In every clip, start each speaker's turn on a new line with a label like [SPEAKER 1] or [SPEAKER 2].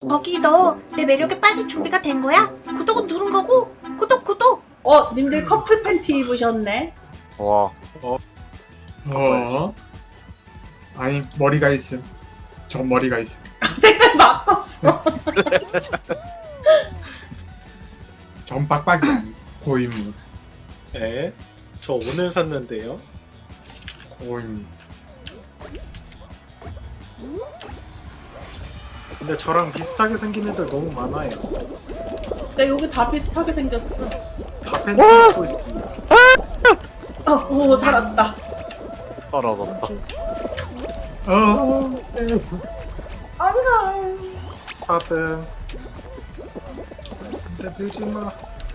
[SPEAKER 1] 거기 너 내 매력에 빠질 준비가 된 거야? 구독은 누른 거고? 구독!
[SPEAKER 2] 님들 커플 팬티 입으셨네.
[SPEAKER 3] 와,
[SPEAKER 4] 아니 머리가 있음. 전 머리가 있음.
[SPEAKER 2] 색깔 바꿨어.
[SPEAKER 4] 전 빡빡이 아니 고인물.
[SPEAKER 5] 네, 저 오늘 샀는데요.
[SPEAKER 4] 고인물.
[SPEAKER 5] 근데 저랑 비슷하게 생긴 애들 너무 많아요.
[SPEAKER 2] 나 여기 다 비슷하게 생겼어.
[SPEAKER 5] 다 팬티 입고 있습니다.
[SPEAKER 2] 오 살았다.
[SPEAKER 3] 떨어졌다.
[SPEAKER 2] 안가.
[SPEAKER 5] 하든 근데 밀지 마.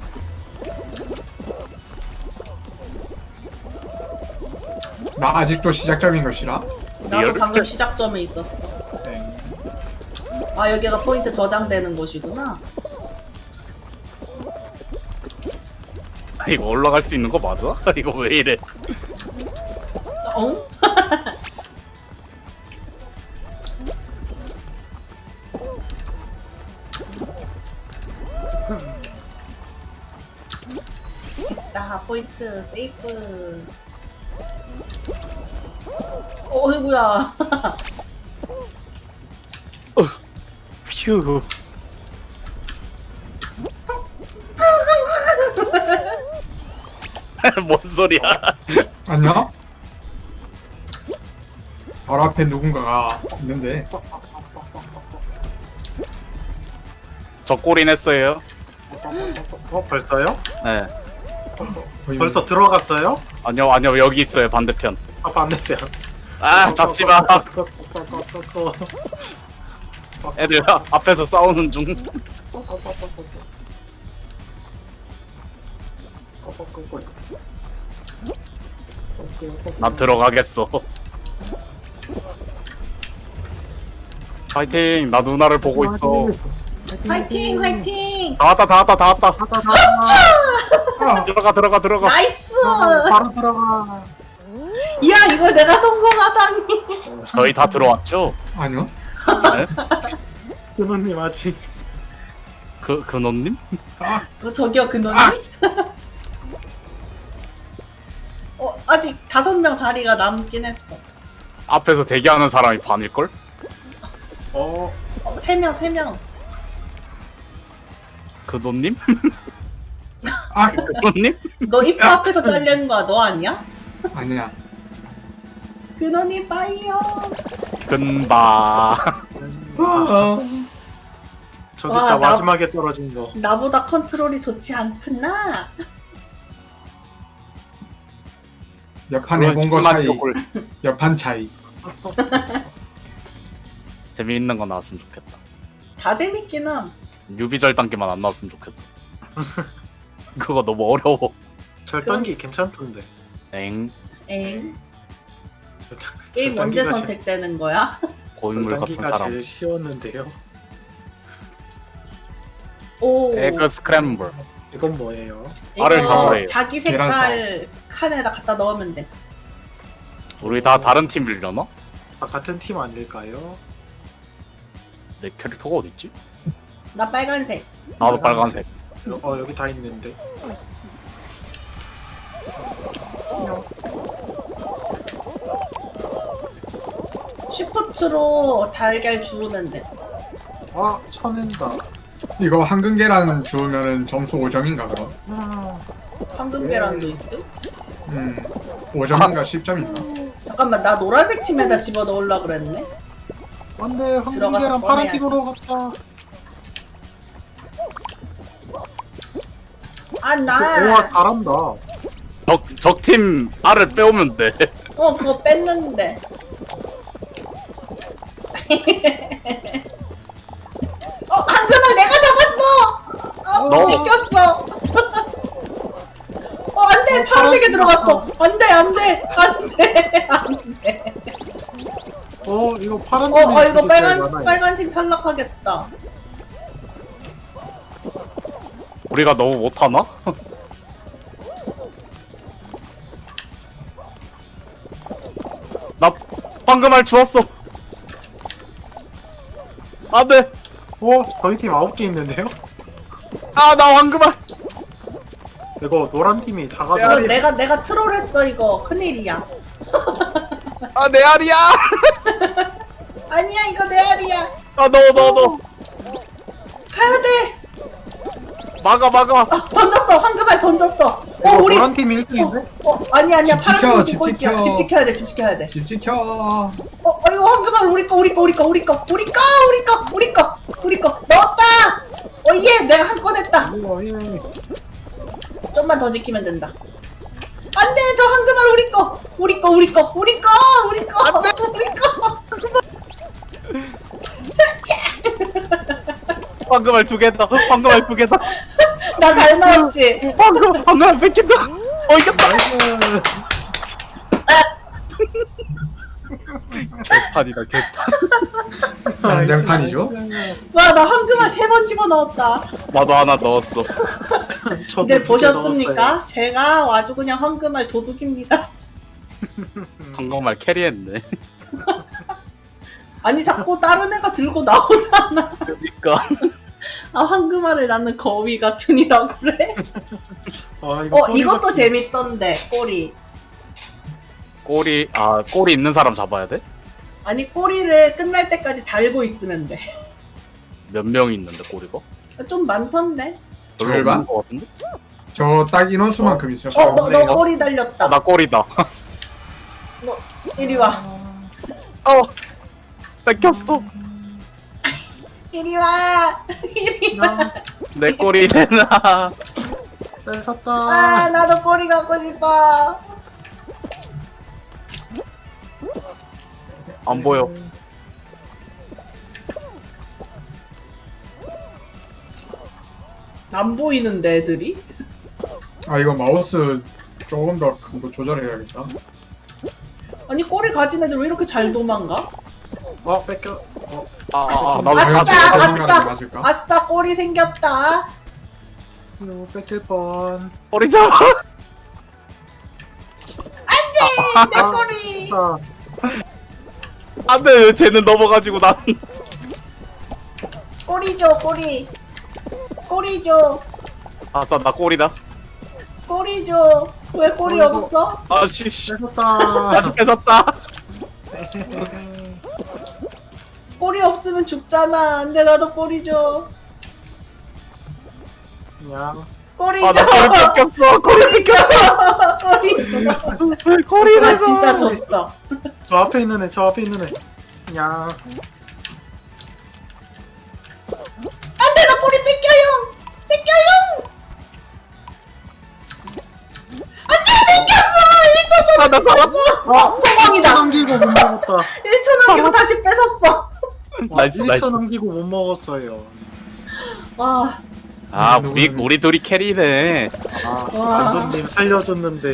[SPEAKER 4] 나 아직도 시작점인 것이라.
[SPEAKER 2] 나도
[SPEAKER 3] 리얼?
[SPEAKER 2] 방금 시작점에 있었어.
[SPEAKER 5] 네.
[SPEAKER 2] 아 여기가 포인트 저장되는 곳이구나.
[SPEAKER 3] 이거 올라갈 수 있는 거 맞아? 이거 왜 이래?
[SPEAKER 2] 어? 나 포인트 세이프. 어이구야.
[SPEAKER 3] 휴. 뭔 소리야?
[SPEAKER 4] 안녕? 바로 앞에 누군가가 있는데.
[SPEAKER 3] 저 꼴인 했어요.
[SPEAKER 5] 벌써요?
[SPEAKER 3] 네.
[SPEAKER 4] 거의
[SPEAKER 5] 벌써 들어갔어요?
[SPEAKER 3] 아니요 여기 있어요 반대편.
[SPEAKER 5] 아 반대편.
[SPEAKER 3] 아 잡지 마. 애들 앞에서 싸우는 중. 난 들어가겠어. 파이팅. 나 누나를 보고 있어.
[SPEAKER 2] 화이팅 화이팅.
[SPEAKER 3] 다 왔다.
[SPEAKER 4] 아,
[SPEAKER 3] 들어가.
[SPEAKER 2] 나이스.
[SPEAKER 5] 바로 들어가.
[SPEAKER 2] 야 이걸 내가 성공하다니.
[SPEAKER 3] 저희 다 들어왔죠?
[SPEAKER 4] 아니요.
[SPEAKER 3] 네?
[SPEAKER 5] 은호님 아직.
[SPEAKER 3] 근원님?
[SPEAKER 2] 저기요 근원님. 아직 5명 자리가 남긴 했어.
[SPEAKER 3] 앞에서 대기하는 사람이 반일걸?
[SPEAKER 2] 3명.
[SPEAKER 3] 근원님?
[SPEAKER 4] 아,
[SPEAKER 3] 근원님?
[SPEAKER 2] 너 입구 앞에서 잘리는 거야. 너 아니야?
[SPEAKER 4] 아니야.
[SPEAKER 2] 근원님 빠이요.
[SPEAKER 3] 근바.
[SPEAKER 5] 저기
[SPEAKER 2] 와,
[SPEAKER 5] 다
[SPEAKER 2] 나-
[SPEAKER 5] 마지막에 떨어진 거.
[SPEAKER 2] 나보다 컨트롤이 좋지 않구나.
[SPEAKER 4] 옆판 해본 거 차이. 옆판 차이.
[SPEAKER 3] 재미있는 거 나왔으면 좋겠다.
[SPEAKER 2] 다 재밌긴 함.
[SPEAKER 3] 유비절 단계만 안 나왔으면 좋겠어. 그거 너무 어려워.
[SPEAKER 5] 절단기 괜찮던데.
[SPEAKER 3] 엥.
[SPEAKER 2] 엥.
[SPEAKER 5] 절단-
[SPEAKER 2] 게임 언제
[SPEAKER 5] 절단기가
[SPEAKER 2] 선택되는 거야?
[SPEAKER 3] 고인물 같은
[SPEAKER 5] 절단기가
[SPEAKER 3] 사람.
[SPEAKER 5] 제일 쉬웠는데요.
[SPEAKER 2] 오.
[SPEAKER 3] 에그 스크램블.
[SPEAKER 5] 이건 뭐예요?
[SPEAKER 3] 알을 잡으래요.
[SPEAKER 2] 자기 색깔 칸에다 갖다 넣으면 돼.
[SPEAKER 3] 우리 다 다른 팀 빌려나?
[SPEAKER 5] 아, 같은 팀 아닐까요?
[SPEAKER 3] 내 캐릭터가 어딨지?
[SPEAKER 2] 나 빨간색.
[SPEAKER 3] 나도 빨간색.
[SPEAKER 5] 여기 다 있는데.
[SPEAKER 2] 슈퍼트로 달걀 주우면 돼.
[SPEAKER 5] 아, 쳐낸다.
[SPEAKER 4] 이거 황금 계란 주우면은 점수 5점인가 그럼?
[SPEAKER 2] 황금 계란도 있어?
[SPEAKER 4] 5점인가 10점인가?
[SPEAKER 2] 잠깐만 나 노란색 팀에다 집어 넣으려 그랬네.
[SPEAKER 5] 안돼,
[SPEAKER 2] 들어가서
[SPEAKER 5] 황금계란 파란
[SPEAKER 2] 꺼내야지.
[SPEAKER 5] 팀으로 갔다.
[SPEAKER 2] 아
[SPEAKER 5] 우와,
[SPEAKER 2] 나.
[SPEAKER 5] 잘한다.
[SPEAKER 3] 적팀 알을 빼오면 돼.
[SPEAKER 2] 그거 뺐는데. 한준아 내가 잡았어.
[SPEAKER 3] 너.
[SPEAKER 2] 뺏겼어. 안돼 파란색에 들어갔어. 안돼.
[SPEAKER 5] 이거 파란 팀이
[SPEAKER 2] 이거
[SPEAKER 5] 되게 잘 많아요.
[SPEAKER 2] 빨간색 탈락하겠다.
[SPEAKER 3] 우리가 너무 못하나? 나 방금 알 주웠어. 안돼.
[SPEAKER 5] 저희 팀 9개 있는데요?
[SPEAKER 3] 아 나 황금알.
[SPEAKER 5] 이거 노란 팀이 다
[SPEAKER 2] 이거
[SPEAKER 5] 가져.
[SPEAKER 2] 내가 트롤했어 이거 큰일이야.
[SPEAKER 3] 아 내 알이야.
[SPEAKER 2] 아니야 이거 내 알이야.
[SPEAKER 3] 아 넣어.
[SPEAKER 2] 가야 돼.
[SPEAKER 3] 막아.
[SPEAKER 2] 던졌어 황금알 던졌어.
[SPEAKER 5] 이거
[SPEAKER 2] 우리
[SPEAKER 5] 노란 팀이 1등인데?
[SPEAKER 2] 아니야
[SPEAKER 4] 집
[SPEAKER 2] 파란
[SPEAKER 4] 지켜,
[SPEAKER 2] 팀
[SPEAKER 4] 집
[SPEAKER 2] 꼴찌야.
[SPEAKER 4] 지켜.
[SPEAKER 2] 집 지켜야 돼. 집 지켜야 돼.
[SPEAKER 4] 집 지켜.
[SPEAKER 2] 이거 황금알 우리 거 넣었다. 예 내가 한 건 했다.
[SPEAKER 5] 예.
[SPEAKER 2] 좀만 더 지키면 된다. 안돼 저 황금알 우리 거.
[SPEAKER 3] 황금알 2개다. 황금알 2개다.
[SPEAKER 2] 나 잘 나왔지.
[SPEAKER 3] 황금알 뺏긴다. 이겼다.
[SPEAKER 5] 나이스.
[SPEAKER 3] 개판이다 개판.
[SPEAKER 4] 난장판이죠?
[SPEAKER 2] 와 나 황금알 3번 집어 넣었다.
[SPEAKER 3] 나도 하나 넣었어.
[SPEAKER 5] 저도
[SPEAKER 2] 근데
[SPEAKER 5] 2개
[SPEAKER 2] 보셨습니까?
[SPEAKER 5] 넣었어요.
[SPEAKER 2] 제가 아주 그냥 황금알 도둑입니다.
[SPEAKER 3] 황금알 캐리했네.
[SPEAKER 2] 아니 자꾸 다른 애가 들고 나오잖아.
[SPEAKER 3] 그러니까.
[SPEAKER 2] 아 황금알을 나는 거위 같으니라고 그래?
[SPEAKER 5] 아,
[SPEAKER 2] 이것도
[SPEAKER 5] 같은-
[SPEAKER 2] 재밌던데 꼬리.
[SPEAKER 3] 꼬리 있는 사람 잡아야 돼?
[SPEAKER 2] 아니 꼬리를 끝날 때까지 달고 있으면 돼.
[SPEAKER 3] 몇 명 있는데 꼬리가?
[SPEAKER 2] 좀 많던데?
[SPEAKER 3] 별로
[SPEAKER 4] 절반?
[SPEAKER 3] 없는 거 같은데?
[SPEAKER 4] 저 딱 인원수만큼 있어요.
[SPEAKER 2] 너 꼬리 달렸다.
[SPEAKER 3] 나 꼬리다.
[SPEAKER 2] 너 이리 와.
[SPEAKER 3] 뺏겼어.
[SPEAKER 2] 이리 와. 이리 와.
[SPEAKER 5] 야,
[SPEAKER 3] 내 꼬리 내놔.
[SPEAKER 5] 뺏었다.
[SPEAKER 2] 아 나도 꼬리 갖고 싶어.
[SPEAKER 3] 안 보여.
[SPEAKER 2] 안 보이는데 애들이?
[SPEAKER 4] 아 이거 마우스 조금 더 큰 거 조절해야겠다.
[SPEAKER 2] 아니 꼬리 가진 애들 왜 이렇게 잘 도망가?
[SPEAKER 5] 뺏겨.
[SPEAKER 3] 나도
[SPEAKER 2] 아싸
[SPEAKER 4] 맞을까?
[SPEAKER 2] 아싸
[SPEAKER 4] 맞을까?
[SPEAKER 2] 아싸 꼬리 생겼다.
[SPEAKER 5] 이거 뺏길 뻔.
[SPEAKER 3] 꼬리 잡아.
[SPEAKER 2] 내 꼬리.
[SPEAKER 5] 아,
[SPEAKER 3] 안돼 왜 쟤는 넘어가지고 난.
[SPEAKER 2] 꼬리 줘 꼬리. 꼬리 줘.
[SPEAKER 3] 아싸 나 꼬리다.
[SPEAKER 2] 꼬리 줘. 왜 꼬리
[SPEAKER 5] 어이구.
[SPEAKER 2] 없어?
[SPEAKER 3] 아씨
[SPEAKER 5] 뺏었다.
[SPEAKER 3] 다시 뺏었다.
[SPEAKER 2] 꼬리 없으면 죽잖아. 근데 나도 꼬리 줘.
[SPEAKER 5] 그냥
[SPEAKER 2] 꼬리 줘.
[SPEAKER 3] 아나 꼬리 뺏겼어. 꼬리 뺏겼어.
[SPEAKER 2] 꼬리 줘.
[SPEAKER 3] 꼬리를
[SPEAKER 2] 나 진짜 줬어.
[SPEAKER 5] 저 앞에 있는 애. 그냥
[SPEAKER 2] 안돼 나 꼬리 뺏겨요.
[SPEAKER 3] 나 살았어.
[SPEAKER 2] 성공이다.
[SPEAKER 5] 남기고 못 먹었다.
[SPEAKER 2] 1초 남기고 다시 뺏었어.
[SPEAKER 3] 나이스, 나이스.
[SPEAKER 5] 1초 남기고 못 먹었어요.
[SPEAKER 2] 와.
[SPEAKER 3] 아 우리 둘이 캐리네.
[SPEAKER 2] 와.
[SPEAKER 5] 안도님 살려줬는데.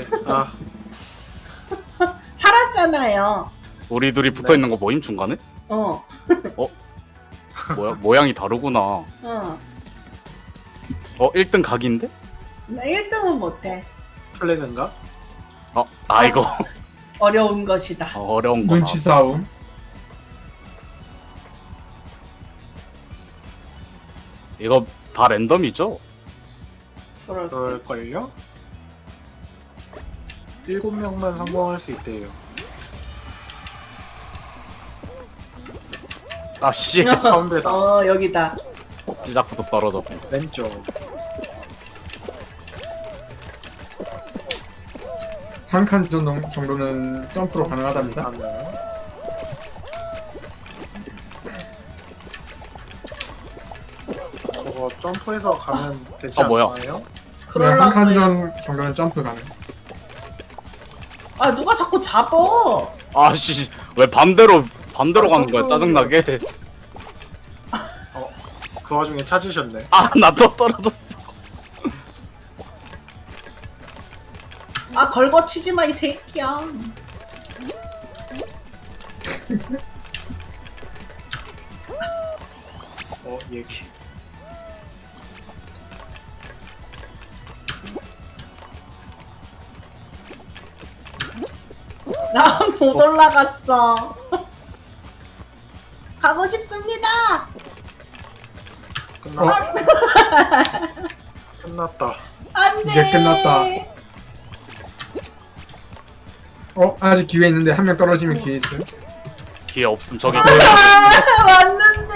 [SPEAKER 2] 살았잖아요.
[SPEAKER 3] 우리 둘이 붙어 있는 거 모임 중간에?
[SPEAKER 2] 어.
[SPEAKER 3] 모양이 다르구나.
[SPEAKER 2] 어.
[SPEAKER 3] 1등 각인데?
[SPEAKER 2] 나 1등은 못해.
[SPEAKER 5] 플래그인가?
[SPEAKER 3] 이거
[SPEAKER 2] 어려운 것이다.
[SPEAKER 3] 어려운 거다.
[SPEAKER 4] 눈치 싸움.
[SPEAKER 3] 이거 다 랜덤이죠?
[SPEAKER 5] 그럴걸요? 7명만 성공할 수 있대요.
[SPEAKER 3] 아씨
[SPEAKER 5] 가운데다.
[SPEAKER 2] 여기다.
[SPEAKER 3] 시작부터 떨어졌고.
[SPEAKER 5] 왼쪽.
[SPEAKER 4] 한 칸 정도는 점프로 가능하답니다.
[SPEAKER 5] 가면. 저거 점프해서 가면 되지
[SPEAKER 3] 뭐야?
[SPEAKER 5] 않나요?
[SPEAKER 4] 한 칸
[SPEAKER 2] 그럴라고.
[SPEAKER 4] 정도는 점프 가능.
[SPEAKER 2] 아 누가 자꾸 잡어.
[SPEAKER 3] 아씨 왜 반대로 가는 거야 짜증나게.
[SPEAKER 5] 그 와중에 찾으셨네.
[SPEAKER 3] 나 또 떨어졌어.
[SPEAKER 2] 아 걸거치지 마 이 새끼야.
[SPEAKER 5] 얘기.
[SPEAKER 2] 나 못 올라갔어. 가고 싶습니다.
[SPEAKER 5] 끝났다. 끝났다.
[SPEAKER 2] 안돼.
[SPEAKER 4] 이제 끝났다. 아직 기회 있는데 한 명 떨어지면 기회 있어요.
[SPEAKER 3] 기회 없음 저기
[SPEAKER 2] 아, 왔는데.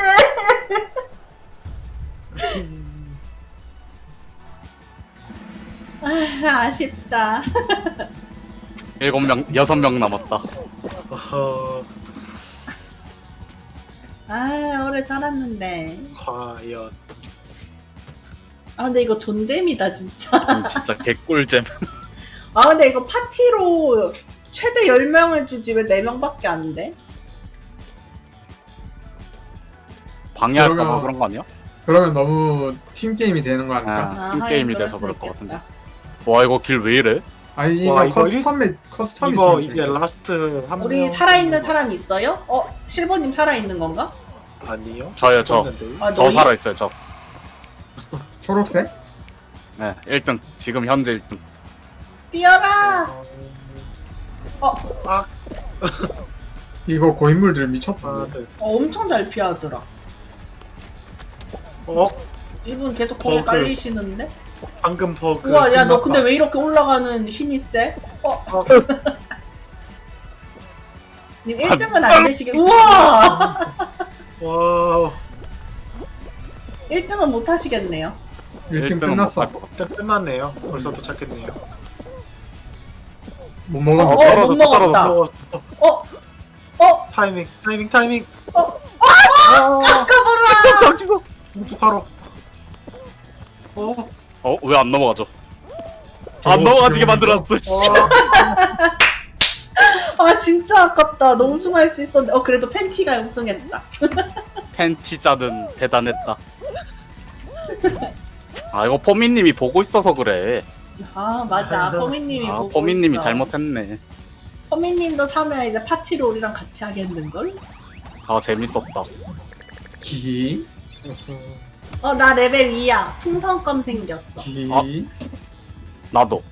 [SPEAKER 2] 아, 아쉽다.
[SPEAKER 3] 7명 6명 남았다.
[SPEAKER 5] 어허,
[SPEAKER 2] 아, 오래 살았는데.
[SPEAKER 5] 과연.
[SPEAKER 2] 아, 근데 이거 존잼이다, 진짜.
[SPEAKER 3] 진짜 개꿀잼.
[SPEAKER 2] 아, 근데 이거 파티로 최대 10명을 주지 왜 4명밖에 안 돼?
[SPEAKER 3] 방해할까봐
[SPEAKER 4] 그러면-
[SPEAKER 3] 그런 거 아니야?
[SPEAKER 4] 그러면 너무 팀 게임이 되는 거 아닐까?
[SPEAKER 3] 아, 팀 게임이
[SPEAKER 2] 하긴
[SPEAKER 3] 돼서
[SPEAKER 2] 그럴
[SPEAKER 3] 그럴
[SPEAKER 2] 수
[SPEAKER 3] 것 같은데.
[SPEAKER 2] 있겠다.
[SPEAKER 3] 와 이거 길 왜 이래?
[SPEAKER 4] 아니
[SPEAKER 5] 와,
[SPEAKER 4] 이거
[SPEAKER 5] 이거
[SPEAKER 4] 커스텀이
[SPEAKER 5] 이거
[SPEAKER 4] 있으면
[SPEAKER 5] 이제
[SPEAKER 4] 재밌겠어.
[SPEAKER 5] 라스트 한
[SPEAKER 2] 우리
[SPEAKER 5] 명
[SPEAKER 2] 살아있는 사람 있어요? 실버님 살아있는 건가?
[SPEAKER 5] 아니요?
[SPEAKER 3] 저요, 저.
[SPEAKER 5] 죽었는데요?
[SPEAKER 2] 아,
[SPEAKER 3] 저
[SPEAKER 2] 너희?
[SPEAKER 3] 살아있어요 저.
[SPEAKER 4] 초록색?
[SPEAKER 3] 네 1등 지금 현재 1등.
[SPEAKER 2] 뛰어라!
[SPEAKER 5] 아,
[SPEAKER 4] 이거 고인물들 미쳤다.
[SPEAKER 5] 다들.
[SPEAKER 2] 엄청 잘 피하더라. 이분 계속 거기
[SPEAKER 5] 버그.
[SPEAKER 2] 깔리시는데?
[SPEAKER 5] 방금 버그.
[SPEAKER 2] 우와, 야, 너
[SPEAKER 5] 끝났다.
[SPEAKER 2] 근데 왜 이렇게 올라가는 힘이 세? 님 1등은 안 되시겠... 우와!
[SPEAKER 5] 와,
[SPEAKER 2] 1등은 못 하시겠네요.
[SPEAKER 4] 1등
[SPEAKER 3] 1등은
[SPEAKER 4] 끝났어.
[SPEAKER 3] 못할 것 같아.
[SPEAKER 5] 진짜 끝났네요. 벌써 도착했네요.
[SPEAKER 4] 못 먹었는데.
[SPEAKER 2] 못
[SPEAKER 3] 떨어졌다,
[SPEAKER 2] 먹었다.
[SPEAKER 5] 어, 타이밍.
[SPEAKER 2] 아까봐라!
[SPEAKER 3] 저기서.
[SPEAKER 5] 어떡하러.
[SPEAKER 3] 왜 안 넘어가죠?
[SPEAKER 4] 저거
[SPEAKER 3] 안 넘어가지게
[SPEAKER 4] 기억나죠?
[SPEAKER 3] 만들었어. 씨.
[SPEAKER 2] 아, 진짜 아깝다. 너 우승할 수 있었는데. 그래도 팬티가 우승했다.
[SPEAKER 3] 팬티자는 대단했다. 아 이거 포미님이 보고 있어서 그래.
[SPEAKER 2] 아, 맞아. 포미님이
[SPEAKER 3] 아
[SPEAKER 2] 보고
[SPEAKER 3] 포미님이
[SPEAKER 2] 있어.
[SPEAKER 3] 잘못했네.
[SPEAKER 2] 포미님도 사면 이제 파티로 우리랑 같이 하겠는걸?
[SPEAKER 3] 아 재밌었다.
[SPEAKER 4] 기.
[SPEAKER 2] 나 레벨 2야. 풍선껌 생겼어.
[SPEAKER 4] 기.
[SPEAKER 3] 나도.